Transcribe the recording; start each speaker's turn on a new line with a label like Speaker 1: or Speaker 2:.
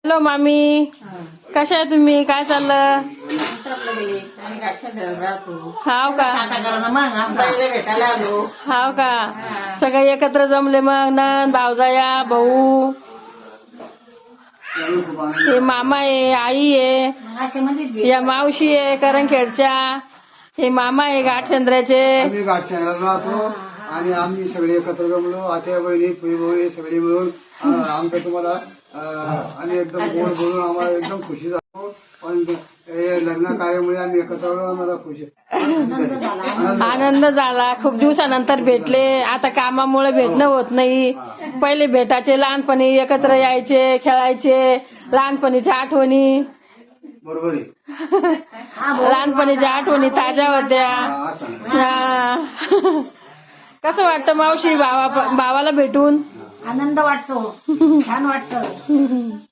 Speaker 1: Hello मामी, कशा आहे तुम्ही? काय चाललं? हाव का? हाव का? सगळे एकत्र जमले मग, नंद भावजाया भाऊ, हे मामा आहे, आई आहे, या मावशी आहे करंखेडच्या, हे मामा आहे गाठचंद्राचे.
Speaker 2: आम्ही गाठचंद्राला राहतो आणि आम्ही सगळे एकत्र जमलो, आत्या बहिणी फुई सगळे मिळून आमचं तुम्हाला आम्ही एकदम गोड बोलून आम्हाला एकदम खुशी झालो. पण हे लग्न कार्यामुळे आम्ही एकत्र आलो, आम्हाला खुशी
Speaker 1: आनंद झाला. खूप दिवसानंतर भेटले. आता कामामुळे भेटणं होत नाही. पहिले भेटायचे, लहानपणी एकत्र यायचे, खेळायचे, लहानपणीच्या आठवणी.
Speaker 2: बरोबर आहे.
Speaker 1: लहानपणीच्या आठवणी ताज्या होत्या. कसं वाटतं मावशी भावाला भेटून?
Speaker 3: आनंद वाटतो, छान वाटतं.